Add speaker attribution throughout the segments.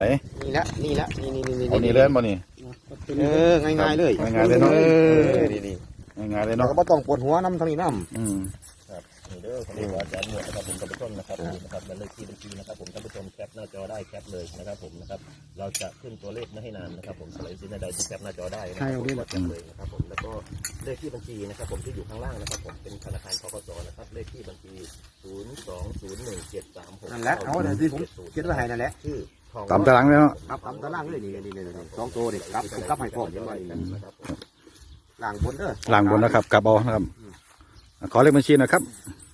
Speaker 1: นี่ละนี่
Speaker 2: เอานี่เล่นบ่นี่
Speaker 1: ง่ายๆเลย
Speaker 2: ง่ายๆเลยเนาะ
Speaker 1: นี่
Speaker 2: ง่ายๆเลย
Speaker 1: เรา
Speaker 2: เนาะ
Speaker 1: ก็ไม่ต้องปวดหัวน้ำทางนี้น้ำ
Speaker 3: ครับนี่เด้อคนนี้ว่าอาจารย์หมวดนะครับผมท่านผู้ชมนะครับนะครับและเลขที่บัญชีนะครับผมท่านผู้ชมแคปหน้าจอได้แคปเลยนะครับผมนะครับเราจะขึ้นตัวเลขไม่ให้นานนะครับผมสไลด์ซินใดที่แคปหน้าจอได้นะครับผมแคปเลยนะครับผมแล้วก็เลขที่บัญชีนะครับผมที่อยู่ข้างล่างนะครับผมเป็นธนาคารธกสนะครับเลขที่บัญชี0201736
Speaker 1: นั่นแหละเอาเดี๋ยวที่ผมคิดว่าให้นั่นแหละ
Speaker 3: ชื่อ
Speaker 2: ตามตารางเลยเนาะ
Speaker 1: ครับตามตารางเลยนี่สองตัวนี่ครับผมกลับให้พ่อยังไงล่างบน
Speaker 2: ล่างบนนะครับกลับเอานะครับขอเลขบัญชีนะครับ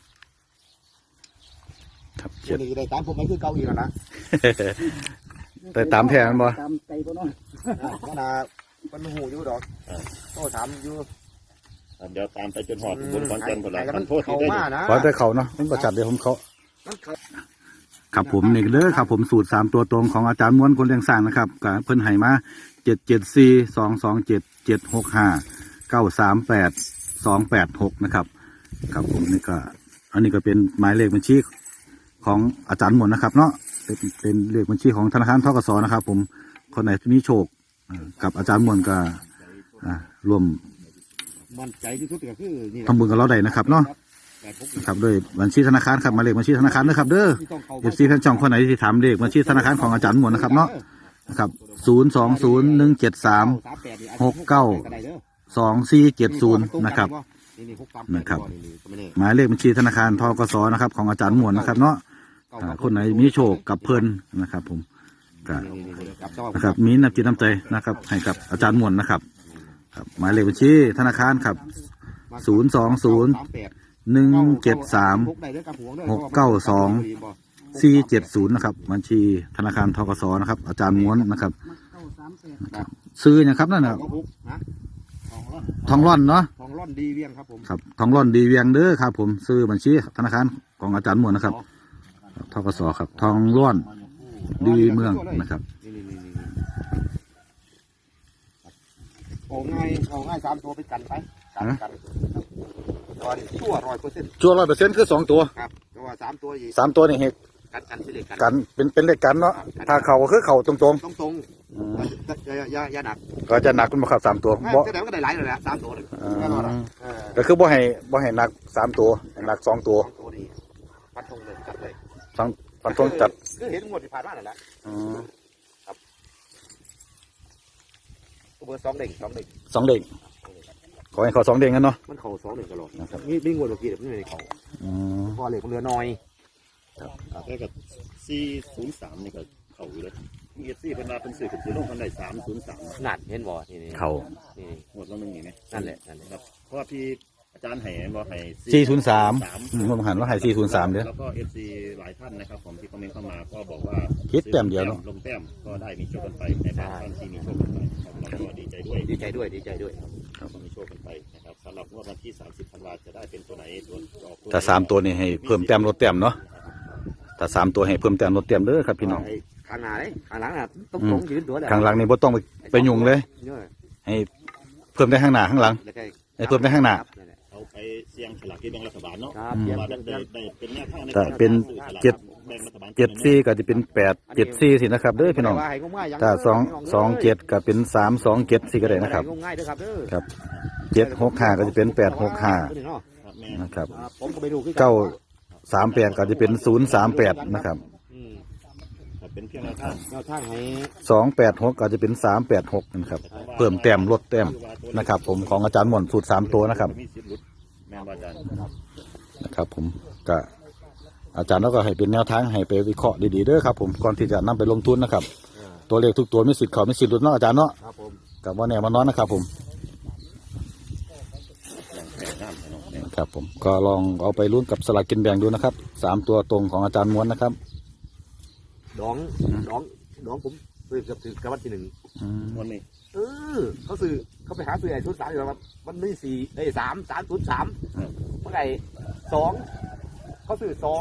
Speaker 2: ครับ
Speaker 1: เจ็ดนี่ได้ตามผมไม่คือเก่าอีกแล้วนะ
Speaker 2: แต่ตามแผนบ่
Speaker 1: ตามใจพ่อน้อยขนาดมันหูอยู่ดอกโตถามอยู่
Speaker 3: เดี๋ยวตามไปจนหอดบนขอนแก่นหมดแล้วมันโทษที่
Speaker 1: ได้
Speaker 2: ขอแต่เขาเนาะมันประจัดเดี๋ยวผมเขาครับผมนี่เด้อครับผมสูตร3ตัวตรงของอาจารย์ม้วนคนเลี้ยงสร้างนะครับกับเพิ่นให้มา77422793828นะครับครับผมนี่ก็อันนี้ก็เป็นหมายเลขบัญชีของอาจารย์ม้วนนะครับเนาะเป็นเลขบัญชีของธนาคารธกสนะครับผมคนไหนมีโชคกับอาจารย์ม้วนก็ร่วม
Speaker 1: มั่นใจที่สุดก็คือนี่
Speaker 2: ทำบุญกับเราได้นะครับเนาะครับด้วยบัญชีธนาคารครับมาเลขบัญชีธนาคารนะครับเด้อFCแฟนช่องคนไหนที่ถามเลขบัญชีธนาคารของอาจารย์ม้วนนะครับเนาะนะครับ0201736922470นะครับหมายเลขบัญชีธนาคารธกสนะครับของอาจารย์ม้วนนะครับเนาะคนไหนมีโชคกับเพิ่นนะครับผมนะครับมีน้ำจิตน้ำใจนะครับให้กับอาจารย์ม้วนนะครับหมายเลขบัญชีธนาคารครับ0201736922470นะครับบัญชีธนาคารธกสนะครับอาจารย์ม้วนนะครับซื้อนะครับนั่นนะทองร่อนเนาะ
Speaker 1: ทองร่อนดีเวียงครับผม
Speaker 2: ครับทองร่อนดีเวียงเด้อครับผมซื้อบัญชีธนาคารของอาจารย์ม้วนนะครับธกสครับทองร่อนดีเมืองนะครับ
Speaker 1: เอาง่าย3ตัวไปกันไปกันชั่ว100%
Speaker 2: ชั่ว100%คือ2ตัว
Speaker 1: ครับแต่ว่า3ตัวอีก
Speaker 2: 3ตัวนี่เหตุ
Speaker 1: กันที่เลข
Speaker 2: กันเป็นเลขกันเนาะถ้าเข่าก็คือเข่าตรง
Speaker 1: อย่าหนัก
Speaker 2: ก็จะหนักขึ้นมาครับ3ตัว
Speaker 1: บ่แต่มันก็ได้หลายเลยแหละ3ตัว
Speaker 2: ก็คือบ่ให้หนัก3ตัวหนัก2ตัว
Speaker 1: ฟันธงเลยจัดเลย
Speaker 2: ฟันธงจัด
Speaker 1: คือเห็นหมดที่ผ่านมานั่นแหละครับเบอร์2 เด้ง
Speaker 2: ขอให้เขา2 เด้งกันเนาะ
Speaker 1: มันเขา2 เด้งตลอดนะครับมีงวดเมื่อกี้แต่ไม่ได้เขาพอเหล็กมันเหลือน้อย
Speaker 3: แค่กับ403นี่ก็เขาอยู่เลยมี4เป็นมาเป็นสื่อถึงลงคนใด303
Speaker 1: นั่นเห็นบ่นี่
Speaker 2: เขา
Speaker 3: นี่หมดแล้วมันมีไหม
Speaker 1: นั่นแหละ
Speaker 3: ครับเพราะว่าพี่อาจารย์ให้บอกให้
Speaker 2: 403ผมหันว่าให้403เด้อ
Speaker 3: แล้วก็ FC หลายท่านนะครับผมที่คอมเมนต์เข้ามาก็บอกว่า
Speaker 2: คิดแต้มเดียวเนาะ
Speaker 3: ลงแต้มก็ได้มีโชคกันไปในบางท่านที่มีโชคกันไปเราก็ดีใจด้วยครับมีโชคกันไปนะครับสำหรับวันที่30 ธันวาคมจะได้เป็นตัวไหนตัว
Speaker 2: ถ้า3ตัวนี่ให้เพิ่มแต้มลดแต้มเนาะถ้า3ตัวให้เพิ่มแต้มลดแต้มเด้อครับพี่น้อง
Speaker 1: ข้างหน้าเลยข้างหลังน่ะต้องยืนตัว
Speaker 2: ข้างหลังนี่บ่ต้องไปยุ่งเลยให้เพิ่มได้ข้างหน้าข้างหลังให้เพิ่มได้ข้างหน้า
Speaker 3: เอาไปเสี่ยงฉลากที่แบ่งรัฐบาลเนาะเป็นแนวทางใน
Speaker 2: การเป็น74ก็จะเป็น874สินะครับเด้อพี่น้องถ้า227ก็เป็น327สิก็ได้นะครับครับ765ก็จะเป็น865นะครับ938ก็จะเป็น038นะครับ286ก็จะเป็น386นะครับเพิ่มแต้มลดแต้มนะครับผมของอาจารย์หม่อนสูตร3ตัวนะครับนะครับผมก็อาจารย์แล้วก็ให้เป็นแนวทางให้ไปวิเคราะห์ดีๆเด้อครับผมก่อนที่จะนำไปลงทุนนะครับตัวเลขทุกตัวมีสิทธิ์เข้ามีสิทธิ์หลุดเนาะอาจารย์เนาะกับว่าแนวมานอนนะครับผมครับผมก็ลองเอาไปลุ้นกับสลากกินแบ่งดูนะครับ3ตัวตรงของอาจารย์ม้วนนะครับ
Speaker 1: ดองผมซื้อกับวันที่1
Speaker 3: วันนี้
Speaker 1: เขาซื้อเขาไปหาซื้อไอ้ชุด3อยู่ครับมันไม่4ได้3เมื่อไหร่2เขาซื้อ2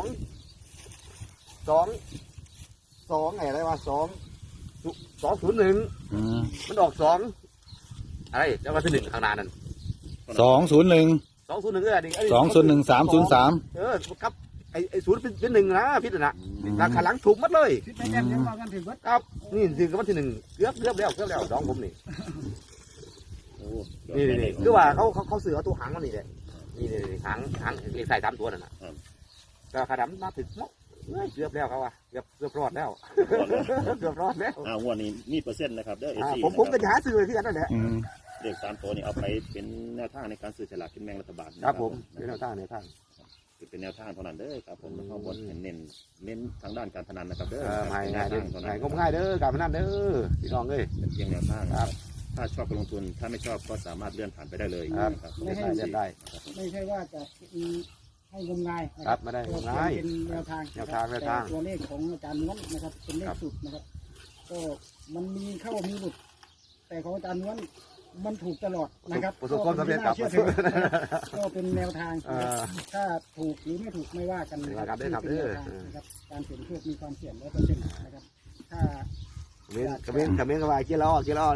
Speaker 1: ไงอะไรวะ201มันออก2อะไรแล้วมาที่1ข้างหน้านั่น
Speaker 2: 201
Speaker 1: 201นี่
Speaker 2: 201 303
Speaker 1: ครับไอ้ศูนย์เป็นหนึ่งนะพิษนะราคาหลังถูกหมัดเลย
Speaker 4: คิดไม่แน่ยังว่ากันถึงวัด
Speaker 1: ครับนี่ถึงกับวันที่หนึ่งเกือบแล้วน้องผมนี่
Speaker 3: โอ้
Speaker 1: นี่คือว่าเขาซื้อเอาตัวหางมันนี่แหละนี่หางเลขใส่3ตัวนั่นน่ะก็ขาดำมาถึงเกือบแล้วเขาว่าเกือบรอดแล้วเกือบรอดแล้ว
Speaker 3: งวดนี้มีเปอร์เซ็นต์นะครับเด้อ
Speaker 1: ผมก็จะหาซื้อเลยที่กันนั่นแหละ
Speaker 3: เลข3ตัวนี้เอาไปเป็นแนวทางในการซื้อฉลากกินแบ่งรัฐบาล
Speaker 1: ครับผมเป็นแนวทาง
Speaker 3: เป็นแนวทางเท่านั้นเด้อครับผมข้างบนเน้นทางด้านการพนันนะครับเด้อ
Speaker 1: ง่ายเด้อง่ายก็ง่ายเด้อการพนันเด้อพี่น้องเอ้ย
Speaker 3: เป็นเพียงแนวทาง
Speaker 1: ครับ
Speaker 3: ถ้าชอบก็ลงทุนถ้าไม่ชอบก็สามารถเลื่อนผ่านไปได้เลย
Speaker 1: ครับ
Speaker 3: นะครับ
Speaker 1: เล่นได้
Speaker 4: ไม่ใช่ว่าจะให้งมงาย
Speaker 1: ครับไม่ได้งมงาย
Speaker 4: เป็นแนวทาง
Speaker 1: แนวทาง
Speaker 4: ตัวเลขของอาจารย์ม้วนนะครับเป็นเลขสุดนะครับก็มันมีเข้ามีหลุด แต่ของอาจารย์ม้วนมันถูกตลอดนะครับ
Speaker 1: ประสบความสำเร็จครับ
Speaker 4: ก็เป็นแนวทางถ้าถูกหรือไม่ถูกไม่ว่ากันนะครับ การเสี่ยงโชคมีความเสี่ยง100%นะครับถ้า
Speaker 1: กระเบนก็ว่าเกี่ยวล้อ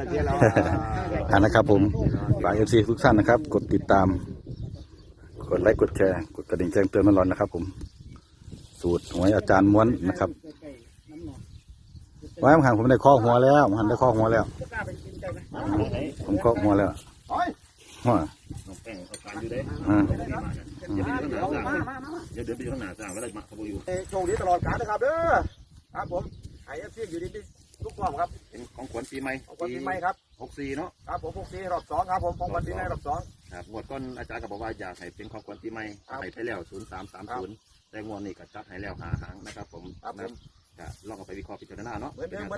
Speaker 2: นะครับผมฝาก FC ทุกท่านนะครับกดติดตามกดไลค์กดแชร์กดกระดิ่งแจ้งเตือนร้อนๆนะครับผมสูตรหวยอาจารย์ม้วนนะครับไว้ผมหันผมได้ข้อหัวแล้วผมหันได้ข้อหัวแล้วผมข้อหัวแล้วหัว
Speaker 3: น้องแป้งเอาการอยู่เด้อย่าไปอยู่ข้างหน้าสร้างเวลามาขบอยู่
Speaker 1: โชคดีตลอดกาลนะครับเด้อครับผมไอเอฟซีอยู่ดีทุกความครับ
Speaker 3: เป็นของขวัญปีใหม่
Speaker 1: ของปีใหม่ครับ
Speaker 3: 64เนาะ
Speaker 1: ครับผม64รอบ2ครับผมของวันปีใหม่รอบ2
Speaker 3: ครับงวดก้อนอาจารย์ก็บอกว่าอยากให้เป็นของขวัญปีใหม่ให้ไปแล้ว0330แต่งวดนี้ก็จัดให้แล้ว5 หางนะครับผมก็ลองเอาไปวิเคราะห์พิจารณาเนาะ